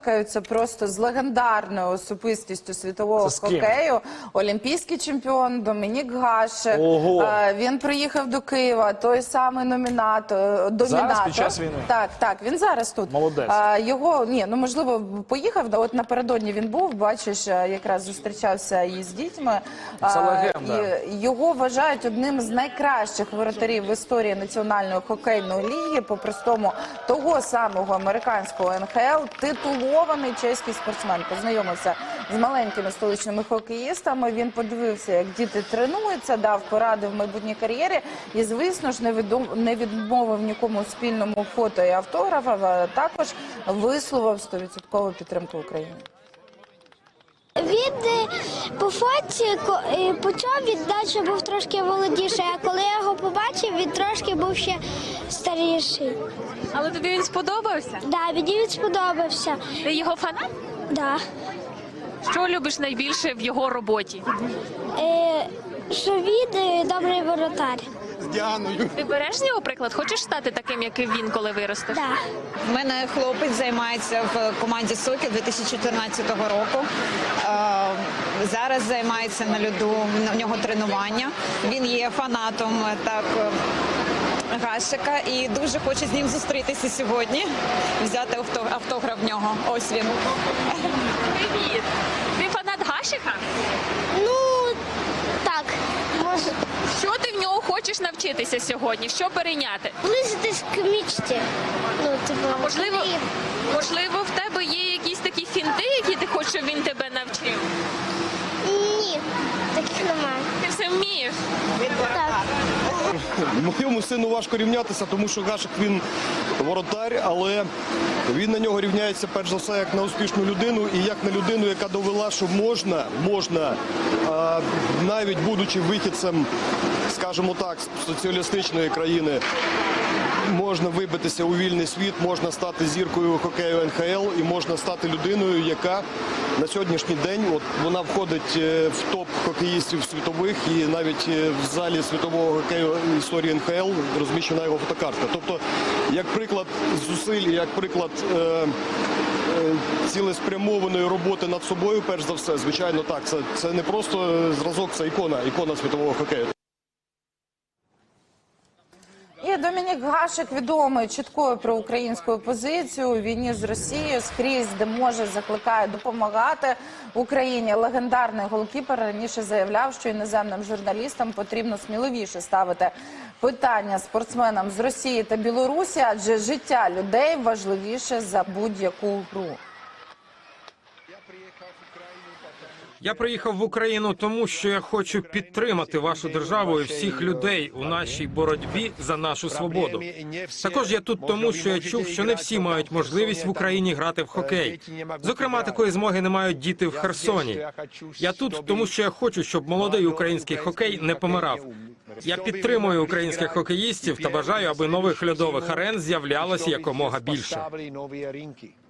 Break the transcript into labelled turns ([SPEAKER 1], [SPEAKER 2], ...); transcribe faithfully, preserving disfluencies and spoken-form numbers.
[SPEAKER 1] Це просто з легендарною особистістю світового хокею. Олімпійський чемпіон Домінік Гашек.
[SPEAKER 2] Ого.
[SPEAKER 1] Він приїхав до Києва, той самий номінатор. домінатор.
[SPEAKER 2] Зараз, під час війни?
[SPEAKER 1] Так, так, він зараз тут.
[SPEAKER 2] Молодець.
[SPEAKER 1] Його, ні, ну можливо, поїхав, от напередодні він був, бачиш, якраз зустрічався із дітьми.
[SPEAKER 2] Це легенда.
[SPEAKER 1] Його вважають одним з найкращих воротарів в історії Національної хокейної ліги, по-простому того самого американського ен ха ел, титулований чеський спортсмен. Познайомився з маленькими столичними хокеїстами, він подивився, як діти тренуються, дав поради в майбутній кар'єрі і, звісно ж, не відмовив нікому спільному фото і автографів, а також висловив сто відсотків підтримку Україні.
[SPEAKER 3] Він по фоті почав, він далі був трошки молодіший, а коли я його побачив, він трошки був ще старіший.
[SPEAKER 4] Але тобі він сподобався?
[SPEAKER 3] Так, да, мені він сподобався.
[SPEAKER 4] Ти його фанат?
[SPEAKER 3] Так. Да.
[SPEAKER 4] Що любиш найбільше в його роботі?
[SPEAKER 3] Е, що він добрий воротар.
[SPEAKER 5] З Діаною.
[SPEAKER 4] Ти береш з нього приклад? Хочеш стати таким, як і він, коли виростеш?
[SPEAKER 3] Так.
[SPEAKER 6] У мене хлопець займається в команді «Сокіл» дві тисячі чотирнадцятого року. Зараз займається на льоду, в нього тренування. Він є фанатом так, Гашека і дуже хоче з ним зустрітися сьогодні, взяти автограф в нього. Ось він.
[SPEAKER 4] Привіт! Ти фанат Гашека?
[SPEAKER 3] Ну, так, може.
[SPEAKER 4] Що ти в нього хочеш навчитися сьогодні? Що перейняти?
[SPEAKER 3] Близитись к мічті. Ну, типу,
[SPEAKER 4] Можливо, можливо, в тебе є якісь такі фінти, які ти хочеш, щоб він тебе навчив?
[SPEAKER 3] Ні, таких немає.
[SPEAKER 4] Ти все вмієш?
[SPEAKER 3] Так.
[SPEAKER 5] Моєму сину важко рівнятися, тому що Гашек він воротар, але він на нього рівняється перш за все як на успішну людину і як на людину, яка довела, що можна, можна, а, навіть будучи вихідцем, скажімо так, з соціалістичної країни, можна вибитися у вільний світ, можна стати зіркою хокею ен ха ел і можна стати людиною, яка на сьогоднішній день, от вона входить в топ хокеїстів світових і навіть в залі світового хокею історії ен ха ел розміщена його фотокартка. Тобто, як приклад зусиль, як приклад е, е, цілеспрямованої роботи над собою, перш за все, звичайно, так, це, це не просто зразок, це ікона, ікона світового хокею.
[SPEAKER 1] І Домінік Гашек відомий чіткою проукраїнською позицією у війні з Росією, скрізь, де може, закликає допомагати Україні. Легендарний голкіпер раніше заявляв, що іноземним журналістам потрібно сміливіше ставити питання спортсменам з Росії та Білорусі, адже життя людей важливіше за будь-яку гру.
[SPEAKER 7] Я приїхав в Україну тому, що я хочу підтримати вашу державу і всіх людей у нашій боротьбі за нашу свободу. Також я тут тому, що я чув, що не всі мають можливість в Україні грати в хокей. Зокрема, такої змоги не мають діти в Херсоні. Я тут тому, що я хочу, щоб молодий український хокей не помирав. Я підтримую українських хокеїстів та бажаю, аби нових льодових арен з'являлося якомога більше.